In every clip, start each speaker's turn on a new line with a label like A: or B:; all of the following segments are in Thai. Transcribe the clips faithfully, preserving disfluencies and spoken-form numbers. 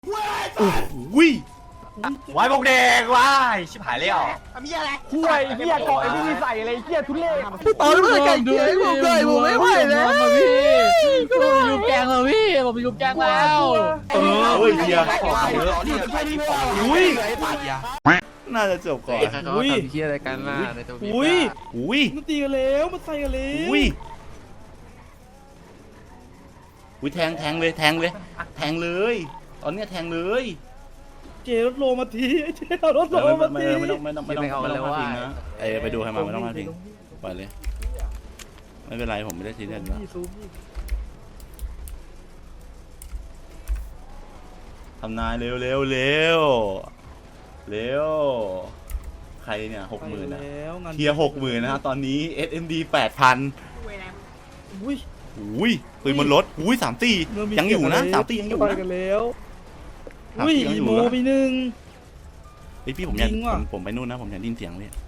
A: วิ
B: ไว้บอกเด็กว้ายชิบหายเลยอ่ะ
C: มีอะไร
D: ห่วยเหี้ยเกาะไอ้ไม่มีใส่อะไรเหี้ยทุเรศ
C: ตอนนี้ไก่เกียร์ผมเลยผมไม่ไหวแล้ว
E: พี่ผมยุบแกงแล้วพี่ผมยุบแกงแล้ว
A: เออเฮ้ยเฮีย
C: อุ้ย
A: น่าจะจบก่อน
E: เขาทำเหี้ยอะไรกันล่ะในตัวพี่
D: อุ้ย
A: อุ้ย
D: มันตีกันแล้วมันใส่กันแล้ว
A: อุ้ยอุ้ยแทงแทงเลยแทงเลยแทงเลยตอนเนี้ยแทงเลย
D: เจรถโลมาทีไอ้เจรถโล
A: ไม่
D: มา
A: ไม่
D: ที
A: ไม่ต้องไม่ต้องไม่ต้องไม่ต้องมาทิ้งนะเออไปดูใครมาไม่ต้องมาทิ้งปล่อยเลยไม่เป็นไรผมไม่ได้ซีเรียสนะทำนายเร็วเร็วเร็วเร็วใครเนี่ยหกหมื่นนะเทียหกหมื่นนะฮะตอนนี้ เอส เอ็ม ดี แปดพัน
D: อุ้ย
A: อุ้ยปืนบนรถอุ้ยสามตียังอยู่นะสามตียังอยู่
D: ไป
A: นะ
D: กันแล้วอุ้ยอีโมไปหนึ่ง
A: เฮ้ยพี่ผมอยากผมผมไปนู่นนะผมอยากได้ยินเสียงเลย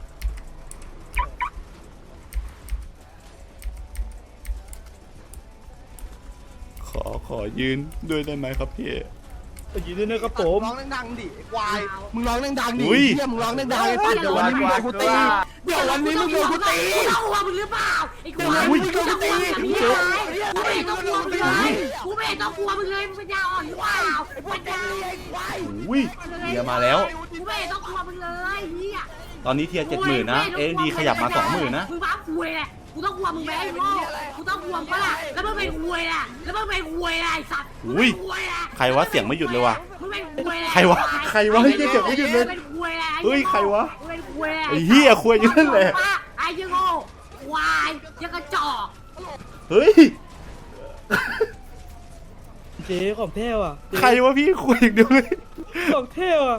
A: ขอขอยืนด้วยได้ไหมครับพี่
D: อยู่ด้วยนะครับผม
C: ร้องดังๆดิควายมึงร้องดังๆดิเฮียมึงร้องดังๆไอ้ปัดเดี๋ยววันนี้มึงโดนกูตีเดี๋ยววันนี้มึงโดนกูตี
F: เข้าหัวมึงหรือเปล่าไอ้กู
C: เดี๋ยววันนี้มึงโดนกูตี
F: กูไม่ต้องกลัวมึงเลยกูไม่ต้องกลัวมึงเลยมึงเป็นยาอ่อนหรือเปล่าปัญญา
A: อุ้ยเทียมาแล้ว
F: กูไม่ต้องกลัวมึงเลยเฮีย
A: ตอนนี้เทียเจ็ดหมื่นนะเอ็นดีขยับมาสองหมื่นนะ
F: มึงบ้าคุยแหละกูต้องกลัวมึงไหมไอ้โง่กูต้องกลัวมึงปะล่ะแล้วมึงเป็นคุยแหละแล้วมึงเป็นคุยแหละไอ้สัตว์
A: อุ้ยใครวะเสียงไม่หยุดเลยว่ะ
F: มึงเป็นคุยแหละ
A: ใครวะใครวะเฮ้ยเสียงไม่หยุดเลยเฮ้ยใครวะ
F: มึงเป็นคุยแหละ
A: ไอ้เหี้ยคุยอยู่นั่นแหละ
F: ไอ้ยังโง่ควายยังกระจอก
A: เฮ้ย
D: เจของแท้ว่ะ
A: ใครวะพี่คุยอย่างเดียวเลย
D: ของแท้ว่ะ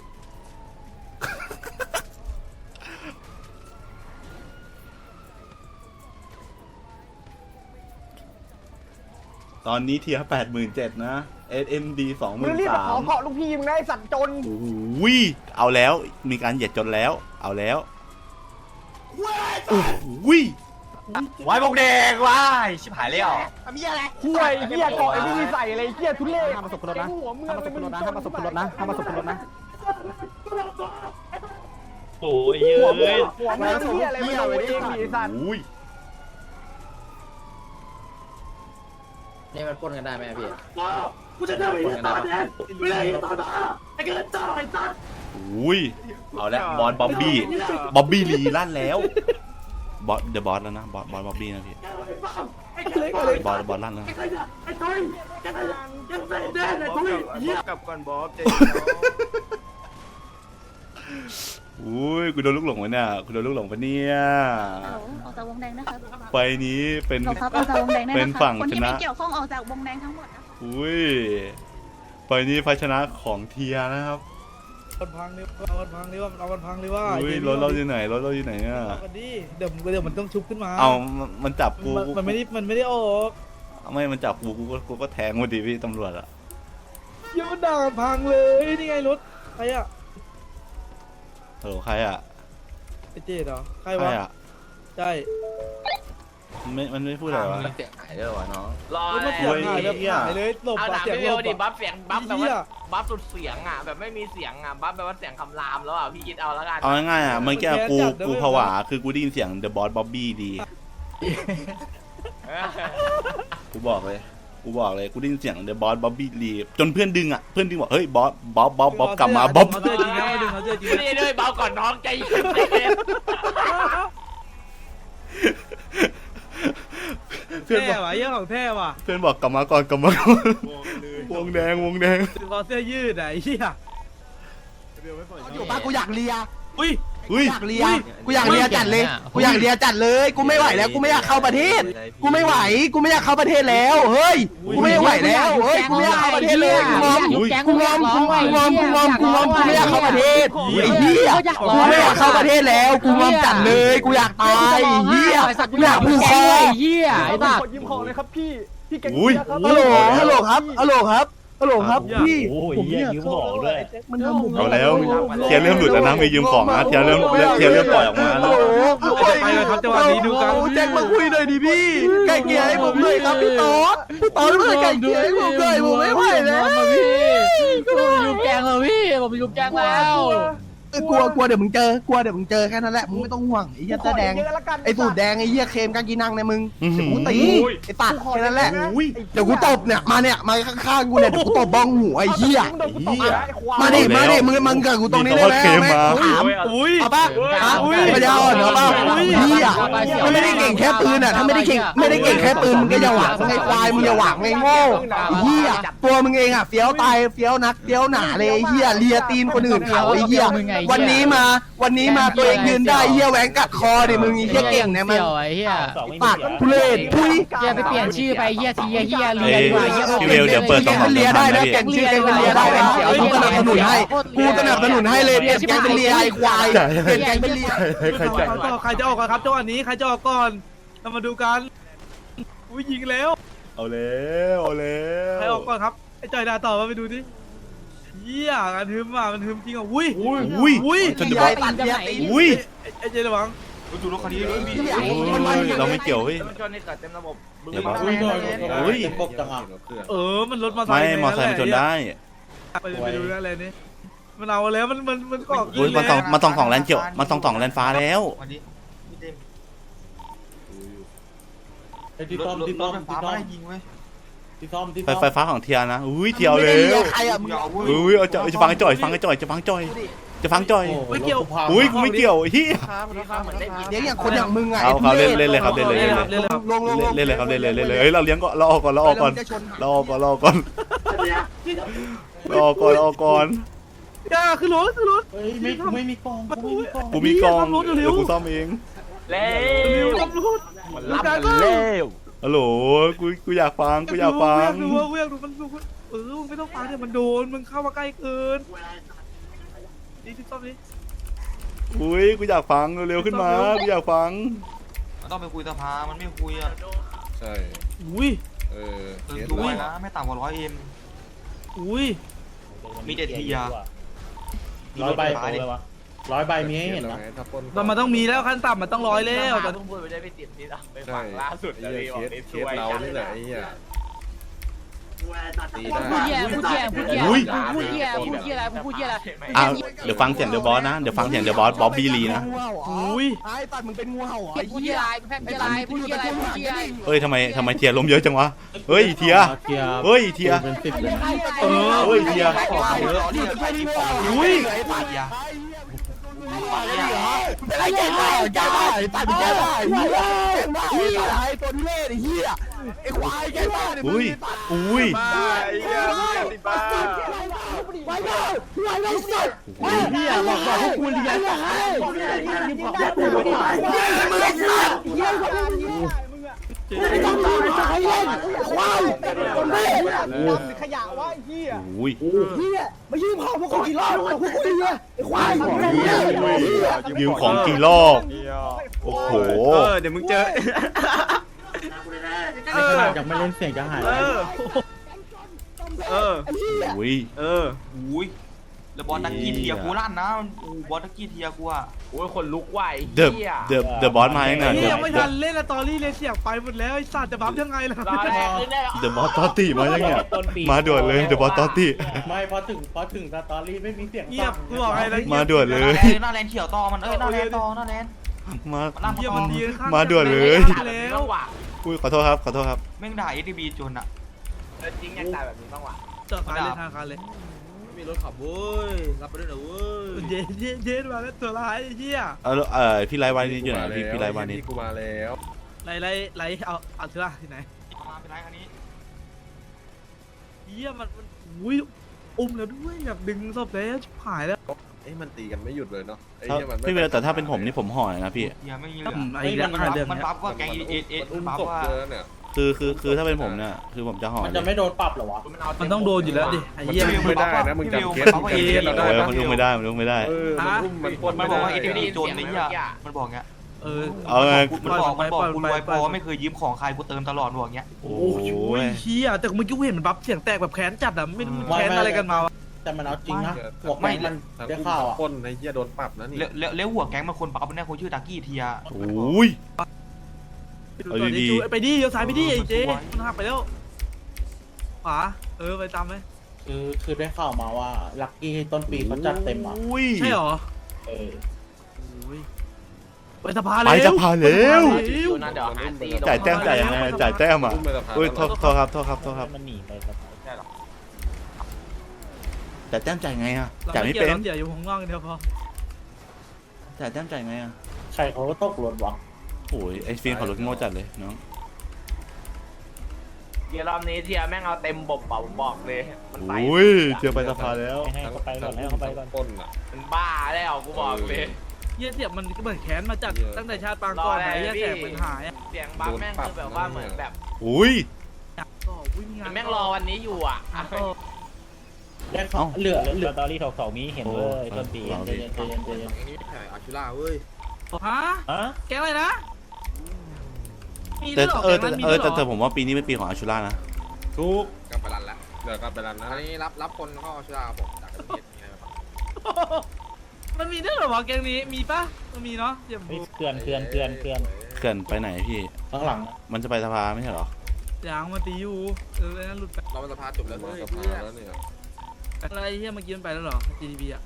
A: ตอนนี้เทียแปดหมื่นเจ็ดนะ เอส เอ็ม ดี สองห
D: มึ
A: มื่
D: ง
A: น
D: รีบ
A: สา
D: ขอ
A: ม
D: เกาะลูกพี่มึงได้สัตว์จน
A: อุ้ยเอาแล้วมีการเหยียดจนแล้ว เอาแล้วอุ้ย
B: ไว้บอกเด็กว้ายชิบหายเลยอ่ะ
C: มีอะไร
D: ห่วยเหี้ยเกาะไอ้ไม่มีใส่อะไรเหี้ยทุเรศ
E: ห้ามมาสบรถนะ
D: หัวมึง
E: ห้ามมาสบรถนะห้ามมาสบรถนะห้ามมาสบรถนะ
D: โอ้ยหัวมึงหัวมึงเหี้ยอะไรไม่รู้เองดิสัตว์
A: อุ้ย
E: นี่มันปนกันได้ไหมพี่
F: กูจะได้ไปต่อแดนไม่ได้ต่อต่อไอ้เกิดต่อไอ้สัตว์
A: อุ้ยเอาแล้วบอลบ๊อบบี้บ๊อบบี้ลีลั่นแล้วบอสเดอะบอสแล้วนะบอสบอสบ๊อบบี้นะพี่บอสบอสลั่นแล้ว
F: ไอ้ตุ้ยยังยังใส่แดนไอ้ตุ้ยเหี้ย
B: กับก่อนบอสเจ๊
A: อุ้ยกูโดนลูกหลงวะเนี่ยกูโดนลูกหลงปะเนี่ย
G: ออกจากวงแดงนะครับ
A: ไปนี้เป็น
G: หลบครับออกจากวงแดงได้
A: เป็น
G: นะค
A: ฝั่
G: รับ
A: ง
G: คน
A: ช
G: ที่
A: นะ
G: ไม่เกี่ยวข้องออกจากวงแดงทั้งหมดนะคะ
A: อุ้ยไปนี้ภาชนะของเทียนะครับ
D: มันพังเลยเอามันพังเลยว่ามันเอามันพังเลยว่า
A: อุ้ยรถเราอยู่ไหนรถเราอยู่ไหนเนี่ย
D: เอากันดิเดี๋ยวเดี๋ยวมันต้องชุบขึ้นมา
A: เอามันจับกู
D: มันมันไม่ได้มันไม่ได้ออก
A: ไม่มันจับกูกูก็กูก็แทงมาดิพี่ตำรวจอะ
D: เหี้ยมันด่ามันพังเลยนี่ไงรถใครอะ
A: ฮัลโหลใครอะ
D: ไอ้เจ๊เหรอใคร
A: ใคร
D: วะ
A: อะ
D: ใช่
A: มันไม่มันไม่พูดอะไรวะ
E: เสียงหายด้วยวะน้อง
H: รอ
D: รถมันเสียงหายแบบหายเลยหลบ
H: เอา
D: อะ
H: ด่า
D: เสียง
H: พี่
D: หล
H: เวล
D: บ
H: ดิ
D: อะ
H: บัฟเสียงบัฟแบบ
D: เหี้
H: ว่าย บัฟสุดเสียงอ่ะแบบไม่มีเสียงอ่ะบัฟแบบว่าเสียงคำรามแล้วอ่ะพี่คิดเอาแล้วกัน
A: เอาง่ายๆอะเมื่อกี้กูกูผวาคือกูได้ยินเสียง The Boss Bobby ดีกูบอกเลยกูบอกเลยกูได้ยินเสียง The Boss Bobby ดีจนเพื่อนดึงอะเพื่อนดึงบอกเฮ้ยบอสบ๊อบบ๊อบบ๊อบกลับมาบ๊อบ
D: เอาเสื้อจริงนะเอาดึงเอาเสื้อจริง
H: นี่ด้วยเบาก่อนน้องใจเย็น
A: เพื่อนบ
D: แท้
A: อก
D: ว่ะเยี่ยของแท้ว่ะ
A: เพื่อนบอกกลับมาก่อนกลับมาก่อนวงแดงวงแดง
D: ถึงคอเสื้อยืดอะไอ้เหี้ย
C: อยู่ป้ากูอยากเลีย
D: อุ้ย
A: อุ้ย
C: อยากเลียกูอยากเลียจัดเลยกูอยากเลียจัดเลยกูไม่ไหวแล้วกูไม่อยากเข้าประเทศกูไม่ไหวกูไม่อยากเข้าประเทศแล้วเฮ้ยกูไม่ไหวแล้วเฮ้ยกูไม่อยากเข้าประเทศเลยกูงอม
A: อุ้ย
C: กูงอมกูงอมกูงอมกูงอมกูไม่อยากเข้าประเทศไอ้เหี้ยกูไม่อยากเข้าประเทศแล้วกูงอมจัดเลยกูอยากตายเหี้ยกูอยากผูกคอ
E: เหี้ยไอ้บ้า
D: ขอยิ้มของเลยครับพี่พี่แกง
A: อุ้ย
D: ครับ
C: ฮัลโหลฮัลโหลครับฮัลโหลครับฮัลโหลครับพี่
D: ผมอยากยืมของด้วยมันทำผม
A: เอาแล้วเทียร์เริ่มหลุดแล้วนะไม่ยืมของนะเทียร์เริ่มเทียร์เริ่มปล่อยออกมา
C: ฮัล
A: นะ
C: โหล
D: ไปเลยครับจังหวะนี้ดูกัน
C: แจ็คมาคุยหน่อยดิพี่ไก่เกลี่ยให้ผมหน่อยครับพี่ต๊อดพี่ต๊อดมาไก่เกลี่ยให้ผมหน่อยผมไม่ไหวแล้ว
E: พี่ผมมีลูกแกงแล้วพี่ผมมีลูกแกงแล้ว
C: เออกลัวกลัวเดี๋ยวมึงเจอกลัวเดี๋ยวมึงเจอแค่นั้นแหละมึงไม่ต้องห่วงไอ้เหี้ยเสื้อแดงไอ้สูตรแดงไอ้เหี้ยเคมกางกีนังในมึงเดี๋ยวกูตีไอ้ตัดแค่นั้นแหละเดี๋ยวกูตบเนี่ยมาเนี่ยมาข้างๆกูเนี่ยเดี๋ยวกูตบบ้องหูไอ้เหี้ยมาดิมาดิมึงมึงกับกูตรงนี้ได้ไหมถาม
D: อุ้ย
C: เอาป่ะฮะปัญญาอ่อนเอาป่ะเหี้ยมันไม่ได้เก่งแค่ปืนอ่ะถ้าไม่ได้เก่งไม่ได้เก่งแค่ปืนมึงก็อย่าหวังไอ้ควายมึงอย่าหวังไอ้โง่เหี้ยตัวมึงเองอ่ะเฟี้ยวตายเฟี้ยวนักเฟี้ยวหนาเลยไอ้เหี้ยเลียตีนคนอื่นเขาไอ้เหี้ยวันนี้มาวันนี้มาตัวเองยืนได้เหี้ยแหวงกัดคอดิมึงไอ้เหี้ยเก่งเนี่ยมึง
E: เสี่ยวไอ้เหี้ย
C: ปากทุเรศทุย
E: เหี้ยไปเปลี่ยนชื่อไปเหี้ยทีเหี้ยเลียดีกว่าเหี้ย
A: พี่เวลเดี๋ยวเปิดสอง
C: เป็นเลียได้นะแกงชื่อแกงเป็นเลียได้นะกูสนับสนุนให้กูสนับสนุนให้เลยเปลี่ยนแกงเป็นเลียไอ้ควายเปลี่ยนแกงเป็นเลีย
A: ใครจ่าย
D: ใครจะออกก่อนครับจังหวะนี้ใครจะออกก่อนเรามาดูกันอุ้ยยิงแล้ว
A: เอาแล้วเอาแล้ว
D: ใครออกก่อนครับไอ้จอยดาต่อมาไปดูดิเยี่ยงานทึมอ่ะมันทึมจริงอ่ะอุ้ย
A: อุ้ยอุ้ยจนจะบอก
C: ตัดเลียตี
A: อุ้ย
D: ไอ้เจระวัง
B: ดูรถคันนี้ด้วยพี่
A: เราไม่เกี่ยวเฮ้ย
H: มันชนในเกิดเต็มระบบ
A: อย่าบอกอุ้ย
D: เออมันรถมา
A: ไม่มอไซค์มันชนได้
D: ไปไปดูนั่นเลยนี่มันเอาแล้วมันมันมันก็
A: อุ้ยมันต้องมันต้องสองแลนเกี่ยวมันต้องสองแลนฟ้าแล้ว
B: วันนี้พี่เต็ม
I: ไอ้ที่
B: ร
I: ซ่อ
B: ถ
I: ม
B: รถ
I: ที่
B: ร
I: ซ่อ
B: ถ
I: ม
B: ไฟฟ้า
I: ที่ซ่อ
B: ไม่
I: ม
B: ได้ยิงเว้ย
I: ที่ซ่อมที่
A: ไฟ
I: ซ่อม
A: ไฟฟ้าของเทียนะอุ้ยเทียว
C: ไม่
A: เล
C: ได้
A: ย
C: เลียใครอ่ะมึง
B: อย่าเอาเว้ย
A: อุ้ยเอาจะจะฟังจ่อยฟังจ่อยจะฟังจ่อยจะฟังจ่อย
D: ไม่เกี่ยว
A: อุ้ยกูไม่เกี่ยวเฮีย
C: เลี้ยงอย่างคนอย่างมึงไง
A: เอาเขาเล่นเล่นเลยครับเล่นเลยเล่นเลย
D: เล่นเลยครับ
C: ลงลงลง
A: เล่นเลยครับเล่นเลยเล่นเลยเฮ้ยเราเลี้ยงก่อนเราออกก่อนเราออกก่อนเราออกก่อนเราออกก่อนเราออกก่อนเราออกก่อน
D: ย่าขึ้นรถขึ้นรถ
I: เฮ้ยไม่กูไม่มีกองกูไม่มีกอง
A: กูมีกองเดี๋ยวกูซ่อมเอง
H: เร็
D: เร็ว
H: ว
D: ขับรถ
H: รับกันเร็ว
A: ฮัลโหลกูกูอยากฟังกูอยากฟัง
D: ดูว่ากูอยากดูมันดูเออมึงไม่ต้องฟังเนี่ยมันโดนมึงเข้ามาใกล้เกินนี่ที่ซ่อมนี่
A: อุ้ยกูอยากฟังเร็วๆขึ้นมากูอยากฟัง
B: มันต้องไปคุยสภามันไม่คุยอ่ะ
I: ใช่
D: อุ้ย
I: เออ
B: เติมตัวนะไม่ต่ำกว่าร้อยเอ็ม
D: อุ้ย
B: มีเจ็ดทีอ่ะ
I: ร้อยใบเลยวะร้อยใบมีให้เห็นนะ
D: มันมันต้องมีแล้วขั้นต่ำมันต้องร้อยแล้วแต่
H: เพิ่งพูดไปได้ไม่ติดนิดอ่ะไปฟังล่าสุดเลยบอกนิดช่วย
I: เรานี่แหละไอ้เหี้ยตี
E: พูด
I: ได้
E: เหี้ยพูดเหี้ยพูดเหี้ยพูดเหี้ยพูดเหี้ยอะไรพูดเหี้ยอะไร
A: อ้าวเดี๋ยวฟังเสียงเดอะบอสนะเดี๋ยวฟังเสียงเดอะบอสบ๊อบบี้ลีนะ
C: อุ้ยไอ้ตัดมึงเป็นงูเห่าเหรอไอ้
E: พูด
C: เหี้
E: เหี้
C: ย
E: ยอะไรพูดเหี้ยอะไรพูดเหี้ยอะไรพูดเหี้ยอะไร
A: เฮ้ยทำไมทำไมเทียล้มเยอะจังวะเฮ้ยเทียเฮ้ยเทีย
I: เป็นสิบเลย
D: เออ
A: เฮ้ยเทีย
C: อุ้ย
B: ไอ้ปากยา
C: เป็นไรแกได้แกได้ตัดแกได้เหี้ยเหี้ยไอ้ตัวนี้เล่ไอ้เหี้ยไอ้ควายแกได้
A: อุ้ยอุ้ย
C: ไว้เลยไว้เลยสัตว์เหี้ยบอกบอกพวกคุณเลี้ยงนะมึงไอ้สัตว์เหี้ยไม่ต้องมาไอ้สัตว์เล่นควายคนเล่นขยะวะไอ้เหี้ย
A: อุ้ย
C: เหี้ยมายืมของพวกกูกี่รอบแล้วพวกกูเหี้ยไอ้ควาย
A: ยืมของกี่รอบโอ้โห
D: เออเดี๋ยวมึงเจอเออ
I: ยังไม่เล่นเสียงจะหาย
D: เออเออ
A: อุ้ย
D: เออ
B: อุ้ยแล้วบอลตะกี้เทียกูลั่นนะบอลตะกี้เทียกูอ่ะ
H: โอ้ยคนลุกไหว
A: เดอะเดอะเดอะบอสมายังไง
D: ไอ้
A: เด
D: เหี้ย
A: อะ
D: ไม่ทันเล่นละตอรี่เลยเสียงไปหมดแล้วไอ้สัตว์จะบัฟยังไงล่ะ
H: รอแรกขึ้นได้
A: เดอะบอสตอตี้มายังไงมาด่วนเลยเดอะบอสตอตี้
I: ไม่พอถึงพอถึงสตอรี่ไม่มีเสียง
D: เงียบกูบอกไงนะ
A: มาด่วนเลย
B: หน้าแลนเขียวต่อมันเอ้ยหน้าแลนต่อหน้าแลน
A: มา
B: มันลั่น
D: เงียบ
B: ต่อ
D: มันดีข้าง
A: มาด่วนเลย
D: แล้ว
A: อุ้ยขอโทษครับขอโทษครับ
B: แม่งด่าเอทีบีจนอ่ะ
H: จริงอยากตายแบบนี้บ้างว่ะ
D: จอดคันเลยทางคันเลย
C: มีรถขับเว้ยรับไปด้วยนะเว้ย
D: เย็นเย็นเย็นมาแล้วตัวร้ายไอ้เหี้ย
A: เออเออพี่ไลฟ์วันนี้อยู่ไหนพี่พี่ไลฟ์วันนี้
I: กูมาแล้ว
D: ไรไรไรเอาเอาเถอะที่ไหน
B: มาเป็นไรคันนี้
D: เหี้ยมันมันอุ้ยอุ้มแล้วด้วยแบบดึงศพแล้วชิบหายแล้ว
I: เอ้ยมันตีกันไม่หยุดเลยเนาะไอ้
A: ถ้า
I: เหี้ยมัน
A: พี่เวลแต่ถ้าเป็นผมนี่ผมห่อเลยนะพี่
B: เทียไม่มีเหลื
D: อื
B: อ
D: มไอ้เรื่อง
B: มัน
D: เรื่อง
B: มัน
D: เนี้ย
B: บัฟว่าแกงเอเอ
I: มันอุ้ม
B: บัฟ
I: ศพ
B: ว่า
I: เยอะเนี่ย
A: คือคือคือถ้าเป็นผมเนี่ยคือผมจะห่อ
I: มัน
A: เล
I: จะ
A: ย
I: ไม่โดนปรับเหรอวะ
D: มันต้องโดนอยู่แล้วดิไอ้
I: มัน
D: เหี้ย
I: อุ้มไม่ได้นะมึงจำเคสมึงจำเคสเรา
A: เอ
I: ได้
A: อ
I: นะ
A: มันลุกไม่ได้มันลุกไม่ได้
I: เออมันอุ้มมันปล้น
B: มัน
I: ไม่
B: บอก
I: ได้
B: ว่าเอทีบีจนไอ้เหี้ยมันบอกเงี้ย
D: เออ
A: เอาไง
B: มันบอกมันบอกกูรวยพอไม่เคยยืมของใครกูเติมตลอดบอกเงี้ย
A: โอ้
D: โอ้โห
A: ย
D: เหี้ยแต่เมื่อกี้กูเห็นมันบัฟเสียงแตกแบบแขนจัดอ่ะไม่รู้มันแขนอะไรกันมาวะ
I: แต่มันเอาจริงนะหัวแม่งมันได้ข่าวอ่ะปล้นไอ้เหี้ยโดนปรับนะนี่
B: แล้วแล้วแล้วหัวแก๊งมันคนบัฟเนี่ยคนชื่อตากี้เทีย
A: โอ้ย เอาดีๆ
D: ไปดิเดี๋ยวซ้ายไปดิไอ้เจ๊มันหักไปแล้วขวาเออไปตามไหม
I: คือคือได้ข่าวมาว่าลักกี้ต้นปีเขาจัดเต็มอ่ะ
A: อุ้ย
D: ใช่หรอ
I: เออ
D: โอ้ยไปสภา
A: ไป
D: แล้ว
A: จะพาเร็ว
H: ชิวๆนะเดี๋ยวหาตี
A: จ่ายแต้มจ่ายยังไงจ่ายแต้มอ่ะ
I: อุ้มไปสภา
A: อุ้ยโทษโทษครับโทษครับโทษครับ
E: มันหนีไป
H: ใช่หรอ
A: จ่ายแต้มจ่ายไงอ่ะ
D: เรา
A: จ่ายไม่
D: ไม่
A: เป็
D: เกี่ย
A: น
D: วเราเกี่ยวอยู่ข้างนอกกันเดียวพอ
A: จ่ายแต้มจ่ายไงอ่ะ
I: ใครเขาก็ตกรถวะ
A: โอ้ยไอ้ฟินขับรถโง่จัดเลยน้อง
H: เดี๋ยวรอบนี้เทียแม่งเอาเต็มบบเป่าบอกเลยมันไป
A: อุ้ยเจอไปสภาแล้ว
E: ให้เขาไปก่อนให้เขาไปก่อน
I: ปล้นอ่ะ
H: มันบ้าแล้วกูบอกเลย
D: เยี่ยเสียบมันก็เหมือนแขนมาจาก
I: เหี้ย
D: ตั้งแต่ชาติปางก่อนไหนเยี่ยแสบมันหายอ่ะ
H: เสียงบัฟแม่งคือแบบว่าเหมือนแบบ
A: อุ้ย
D: ก็วิ่งงาน
H: แม่งรอวันนี้อยู่อ่ะ
D: ก็
I: ได้ข่าวเหลือเห
E: เห
I: ลื
E: ลื
I: อ
E: อตอรี่ถกสองมีเห็นเลยต้นปี
A: โอ้
I: ใจเย็นใจเย็นใจเย็น
D: ฮะ
E: ฮะ
D: แกอะไรนะมี
A: แต่
D: ด้วยหร
A: เออ
D: แก
A: แต่
D: นั้นมี
A: เอ
D: ด้
A: อ
D: วยหร
A: แต่แต่ผมว่าปีนี้เป็นปีของอาชูล่านะ
I: ทุกกลับไปรันแล้วเหลือกลับไปรันนะ
J: อันนี้รับรับคนเข้าชลาผมจากประเทศมีอะไรบ้าง
D: มันมีด้วยเหรอวะแกงนี้มีปะมันมีเนาะเดี๋ยว
E: เฮ้ยเตือนเตือนเตือนเตือน
A: เกินไปไหนพี่
I: ข้างหลัง
A: มันจะไปสภาไม่ใช่เหรอ
D: ยางมาตีอยู่เออไอ้นั่นหลุดไป
J: เราเป็นสภาจบแล้ว
I: มา
J: เฮ้ย
I: สภาแล้วเนี่ย
D: อะไรเฮียเมื่อกี้มันไปแล้วเหรอ จี ดี บี อ่ะ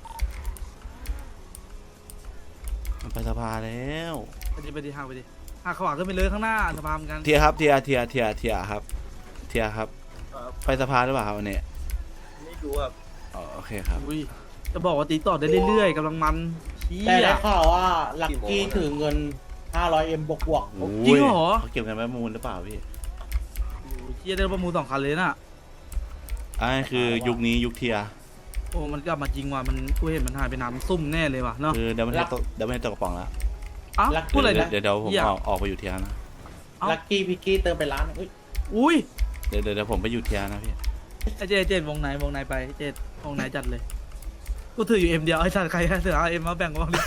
A: มันไปสภาแล้ว
D: ไปดิไปดิห่างไปดิห่างขวาขึ้นไปเลยข้างหน้าสะพานเหมือนกัน
A: เทียครับเทียเทียเทียเทียครับ เทียครับ ไปสภาหรือเปล่าครับวันนี้
J: ไม่รู้อ่ะ
A: อ๋อโอเคครับ
D: อุ้ยจะบอกว่าตีต่อได้เรื่อยๆกำลังมันเชี่
I: แต่
D: ย
I: ได้ข่าวว่าลักกี้ถือเงิน ห้าร้อยเอ็มบวกบวก
A: โอ้ย
D: จริงเหรอ
A: เขาเก็บกันไว้มูลหรือเปล่าพี่
D: โอ้ยเชี่ยได้ประมูลสองคันเลยน่ะ
A: อันนี้คือยุคนี้ยุคเทีย
D: โอ้มันกลับมาจริงว่ะมันกูเห็นมันหายไปน้ำซุ่มแน่เลยว่ะเนาะ
A: คือเดี๋ยวไม่ให้ตกเดี๋ยวไม่ให้ตกกระป๋องแล้ว
D: อ้าวพูดอะไร
A: เดี๋ยว
D: นะ
A: เดี๋ยวเดี๋ยวผม
D: เหี้ย
A: ออกออกไปอยู่เทียนะ
D: เอ้า
I: ลักกี้พิกกี้เติมไปร้านอุ้ย
D: อุ้ย
A: เดี๋ยวเดี๋ยวเดี๋ยวผมไปอยู่เทียนะพี่
D: ไอเจเจวงไหนวงไหนไปเจวงไหนจัดเลยกูถืออยู่เอ็มเดียวไอ้สัตว์ใครเสือเอาเอ็มมาแบ่งกูบ้างดิ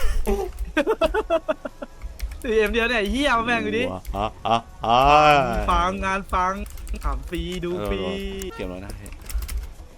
D: ถือเอ็มเดียวเนี่ยไอ้เฮียมาแบ่งกูดิ
A: อ่ะอ่ะอ่ะ
D: ฟังงานฟังขำฟรีดูฟรี
A: เก็บแล้วนะพี่